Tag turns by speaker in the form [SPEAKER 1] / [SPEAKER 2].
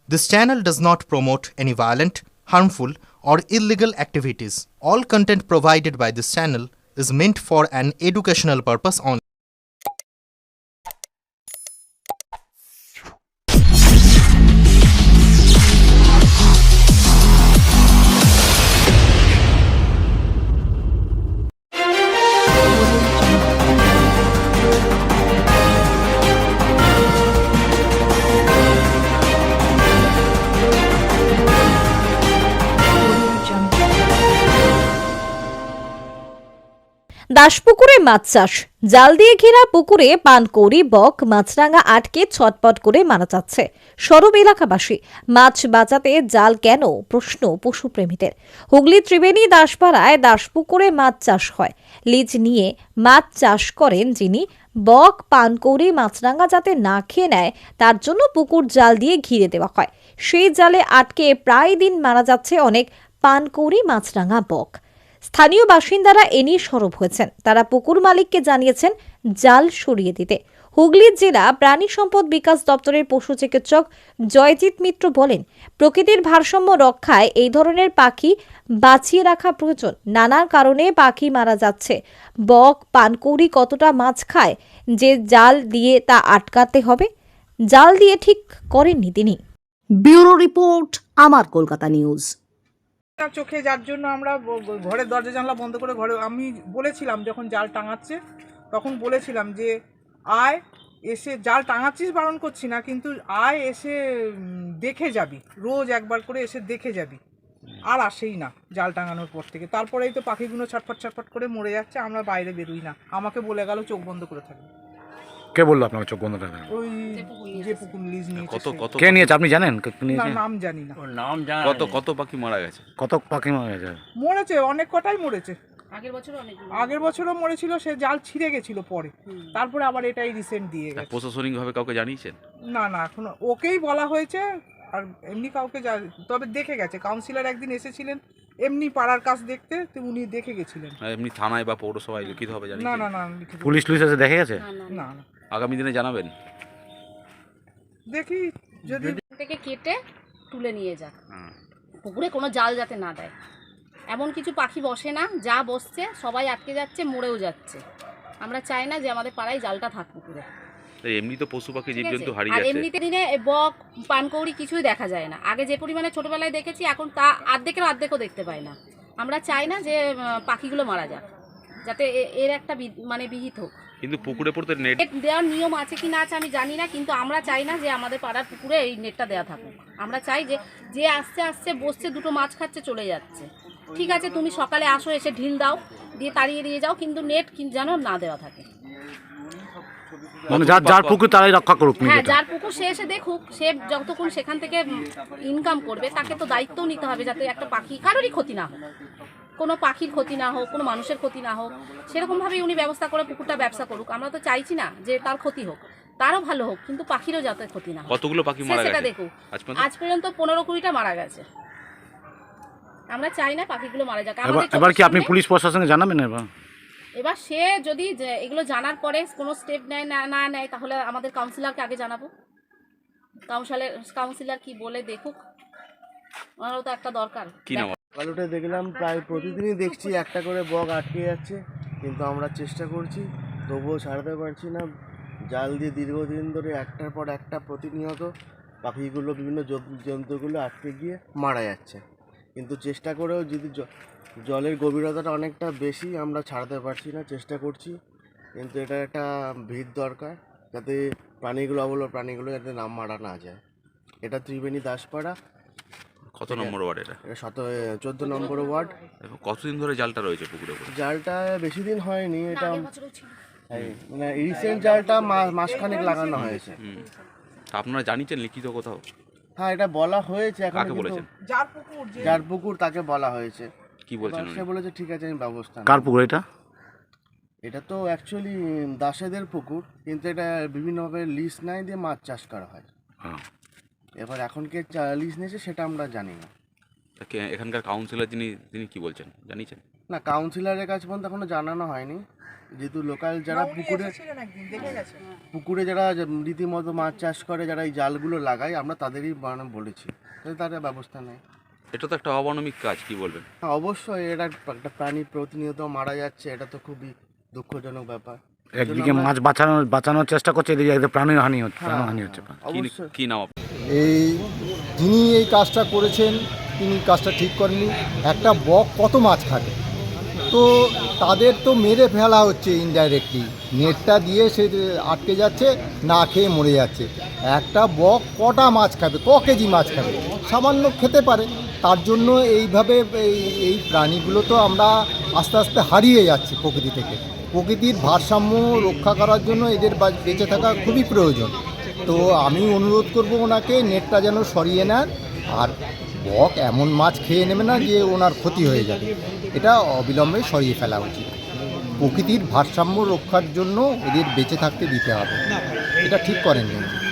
[SPEAKER 1] This channel does not promote any violent, harmful, or illegal activities. All content provided by this channel is meant for an educational purpose only.
[SPEAKER 2] দাসপুকুরে মাছ চাষ, জাল দিয়ে ঘেরা পুকুরে পানকৌড়ি, বক, মাছরাঙা আটকে ছটপট করে মারা যাচ্ছে সরব এলাকাবাসী। মাছ বাঁচাতে জাল কেন, প্রশ্ন পশুপ্রেমীদের। হুগলি ত্রিবেণী দাসপাড়ায় দাসপুকুরে মাছ চাষ হয়। লিজ নিয়ে মাছ চাষ করেন যিনি। বক, পানকৌড়ি, মাছরাঙা যাতে না খেয়ে নেয় তার জন্য পুকুর জাল দিয়ে ঘিরে দেওয়া হয়। সেই জালে আটকে প্রায় দিন মারা যাচ্ছে অনেক পানকৌড়ি, মাছরাঙা, বক। স্থানীয় বাসিন্দারা এ নিয়ে সরব হয়েছেন। তারা পুকুর মালিককে জানিয়েছেন জাল সরিয়ে দিতে। হুগলি জেলা প্রাণী সম্পদ বিকাশ দপ্তরের পশু চিকিৎসক জয়জিৎ মিত্র বলেন, প্রকৃতির ভারসাম্য রক্ষায় এই ধরনের পাখি বাঁচিয়ে রাখা প্রয়োজন। নানা কারণে পাখি মারা যাচ্ছে। বক, পানকৌড়ি কতটা মাছ খায় যে জাল দিয়ে তা আটকাতে হবে? জাল দিয়ে ঠিক করেননি তিনি।
[SPEAKER 3] ব্যুরো রিপোর্ট, আমার কলকাতা নিউজ।
[SPEAKER 4] চোখে যার জন্য আমরা ঘরের দরজা জানলা বন্ধ করে ঘরে আমি বলেছিলাম, যখন জাল টাঙাচ্ছে তখন বলেছিলাম যে আয় এসে, জাল টাঙাচ্ছিস বারণ করছি না, কিন্তু আয় এসে দেখে যাবি, রোজ একবার করে এসে দেখে যাবি। আর আসেই না জাল টাঙানোর পর থেকে। তারপরেই তো পাখিগুলো ছটফট ছটফট করে মরে যাচ্ছে, আমরা বাইরে বেরোই না। আমাকে বলে গেল চোখ বন্ধ করে থাকবে।
[SPEAKER 5] কে বললো আপনাকে চোখ বন্ধ রাখবেন?
[SPEAKER 4] ওই যে পুকুর লিজ নিয়েছে সে।
[SPEAKER 5] কে নিয়েছে আপনি জানেন?
[SPEAKER 4] না, নাম জানি না।
[SPEAKER 6] কত পাখি মারা গেছে?
[SPEAKER 5] কত পাখি মারা গেছে?
[SPEAKER 4] মরেছে অনেক কটাই মরেছে। আগের বছরও মরেছিল, সে জাল ছিঁড়ে গেছিল পরে। তারপরে আবার এটাই রিসেন্ট দিয়ে গেছে।
[SPEAKER 6] প্রশাসনিক ভাবে কাউকে জানিয়েছেন?
[SPEAKER 4] না না, এখনো ওকেই বলা হয়েছে, আর এমনি কাউকে তবে দেখে গেছে। কাউন্সিলর একদিন এসেছিলেন এমনি পাড়ার কাজ দেখতে, তো উনি দেখে গেছিলেন।
[SPEAKER 6] এমনি থানায় বা পৌরসভায় লিখিত হবে জানিয়েছেন?
[SPEAKER 4] না না না, লিখিত
[SPEAKER 5] পুলিশ এসে দেখে গেছে?
[SPEAKER 4] না না,
[SPEAKER 6] আগামী দিনে জানাবেন।
[SPEAKER 4] দেখি যদি
[SPEAKER 7] থেকে কেটে তুলে নিয়ে যাক, পুকুরে কোনো জাল যাতে না দেয়। এমন কিছু পাখি বসে না, যা বসছে সবাই আটকে যাচ্ছে, মরেও যাচ্ছে। আমরা চাই না যে আমাদের পাড়ায় জালটা থাক পুকুরে।
[SPEAKER 6] এমনি তো পশু পাখি জীবজন্তু
[SPEAKER 7] আর
[SPEAKER 6] হারিয়ে যাচ্ছে।
[SPEAKER 7] এমনিতে দিনে বক, পানকৌড়ি কিছুই দেখা যায় না। আগে যে পরিমাণে ছোটবেলায় দেখেছি, এখন তা অর্ধেকও দেখতে পাই না। আমরা চাই না যে পাখিগুলো মারা যাক, যাতে এর একটা মানে বিহিত হোক।
[SPEAKER 6] কিন্তু পুকুরে পড়তে নেট
[SPEAKER 7] দেওয়ার নিয়ম আছে কি না আছে আমি জানি না, কিন্তু আমরা চাই না যে আমাদের পাড়ার পুকুরে এই নেটটা দেওয়া থাকুক। আমরা চাই যে আসছে আসছে বসছে, দুটো মাছ খাচ্ছে, চলে যাচ্ছে। ঠিক আছে, তুমি সকালে আসো, এসে ঢিল দাও, দিয়ে তাড়িয়ে দিয়ে যাও, কিন্তু নেট যেন না দেওয়া থাকে।
[SPEAKER 5] মানে যার পুকুর তারাই রক্ষা করুক।
[SPEAKER 7] হ্যাঁ, যার পুকুর সে এসে দেখুক। সে যতক্ষণ সেখান থেকে ইনকাম করবে, তাকে তো দায়িত্বও নিতে হবে যাতে একটা পাখি কারোরই ক্ষতি না হোক, কোনো পাখির ক্ষতি না হোক, কোনো মানুষের ক্ষতি না হোক। সেরকমভাবেই উনি ব্যবস্থা করে পুকুরটা ব্যবসা করুক। আমরা তো চাইছি না যে তার ক্ষতি হোক, তারও ভালো হোক, কিন্তু পাখিরও যাতে ক্ষতি না হোক।
[SPEAKER 6] কতগুলো পাখি মারা গেছে
[SPEAKER 7] সেটা দেখুক। আজ পর্যন্ত 15-20টা মারা গেছে। আমরা চাই না পাখিগুলো মারা যাক।
[SPEAKER 5] এবার কি আপনি পুলিশ প্রশাসনকে জানাবেন?
[SPEAKER 7] এবার সে যদি এগুলো জানার পরে কোনো স্টেপ না নেয়, তাহলে আমাদের কাউন্সিলরকে আগে জানাবো। কাউন্সিলর কি বলে দেখুক, ওনারও তো একটা দরকার।
[SPEAKER 6] কি নাম?
[SPEAKER 8] সকাল উঠে দেখলাম প্রায় প্রতিদিনই দেখছি একটা করে বক আটকে যাচ্ছে, কিন্তু আমরা চেষ্টা করছি তবুও ছাড়তে পারছি না। জাল দিয়ে দীর্ঘদিন ধরে একটার পর একটা প্রতিনিয়ত পাখিগুলো, বিভিন্ন জন্তুগুলো আটকে গিয়ে মারা যাচ্ছে। কিন্তু চেষ্টা করেও যদি জলের গভীরতাটা অনেকটা বেশি, আমরা ছাড়তে পারছি না। চেষ্টা করছি, কিন্তু এটা একটা ভিড় দরকার যাতে প্রাণীগুলো যাতে নাম মারা না যায়। এটা ত্রিবেণী দাসপাড়া।
[SPEAKER 6] কত নম্বর ওয়ার্ড এটা?
[SPEAKER 8] 14 নম্বর ওয়ার্ড।
[SPEAKER 6] কতদিন ধরে জালটা রয়েছে পুকুরে?
[SPEAKER 8] জালটা বেশি দিন হয়নি, এটা মানে রিসেন্ট জালটা মাসখানেক লাগানো হয়েছে।
[SPEAKER 6] আপনারা জানিয়েছেন লিখিত কোথাও?
[SPEAKER 8] হ্যাঁ, এটা বলা হয়েছে। এখন
[SPEAKER 6] কাকে বলেছেন?
[SPEAKER 8] যার পুকুর তাকে বলা হয়েছে।
[SPEAKER 6] কি বলছেন?
[SPEAKER 8] সে বলেছে ঠিক আছে, আমি ব্যবস্থা নেব।
[SPEAKER 5] কার পুকুর এটা?
[SPEAKER 8] এটা তো অ্যাকচুয়ালি দাসেদের পুকুর, কিন্তু এটা বিভিন্নভাবে লিজ নাই দিয়ে মাছ চাষ করা হয়। এবার এখন কে লিজ নিয়েছে সেটা আমরা জানি না।
[SPEAKER 6] এখানকার কাউন্সিলর তিনি কি বলছেন জানিয়েছেন?
[SPEAKER 8] না, কাউন্সিলরের কাছে পর্যন্ত এখনো জানানো হয়নি, যেহেতু লোকাল যারা
[SPEAKER 4] না, উনি এসেছিলেন একদিন, দেখে গেছেন।
[SPEAKER 8] পুকুরে যারা রীতিমতো মাছ চাষ করে, যারা এই জালগুলো লাগায়, আমরা তাদেরই বলেছি, তাহলে তারা ব্যবস্থা নেয়।
[SPEAKER 6] এটা তো একটা অমানবিক কাজ, কি বলবেন?
[SPEAKER 8] হ্যাঁ, অবশ্যই এটা একটা প্রাণী প্রতিনিয়ত মারা যাচ্ছে, এটা তো খুবই দুঃখজনক ব্যাপার।
[SPEAKER 5] একদিকে মাছ বাঁচানোর চেষ্টা করছে, এদিকে একদম প্রাণহানি হচ্ছে।
[SPEAKER 8] অবশ্যই
[SPEAKER 6] কি নাম আপনার?
[SPEAKER 9] এই যিনি এই কাজটা করেছেন তিনি কাজটা ঠিক করেননি। একটা বক কত মাছ খাবে, তো তাদের তো মেরে ফেলা হচ্ছে ইনডাইরেক্টলি, নেটটা দিয়ে সে আটকে যাচ্ছে, না খেয়ে মরে যাচ্ছে। একটা বক কটা মাছ খাবে, কেজি মাছ খাবে, সামান্য খেতে পারে। তার জন্য এইভাবে এই প্রাণীগুলো তো আমরা আস্তে আস্তে হারিয়ে যাচ্ছি প্রকৃতি থেকে। প্রকৃতির ভারসাম্য রক্ষা করার জন্য এদের বেঁচে থাকা খুবই প্রয়োজন। তো আমি অনুরোধ করব ওনাকে নেটটা যেন সরিয়ে নেন, আর বক এমন মাছ খেয়ে নেবে না যে ওনার ক্ষতি হয়ে যাবে, এটা অবিলম্বে সরিয়ে ফেলা উচিত। প্রকৃতির ভারসাম্য রক্ষার জন্য এদের বেঁচে থাকতে দিতে হবে, এটা ঠিক করেন কিন্তু।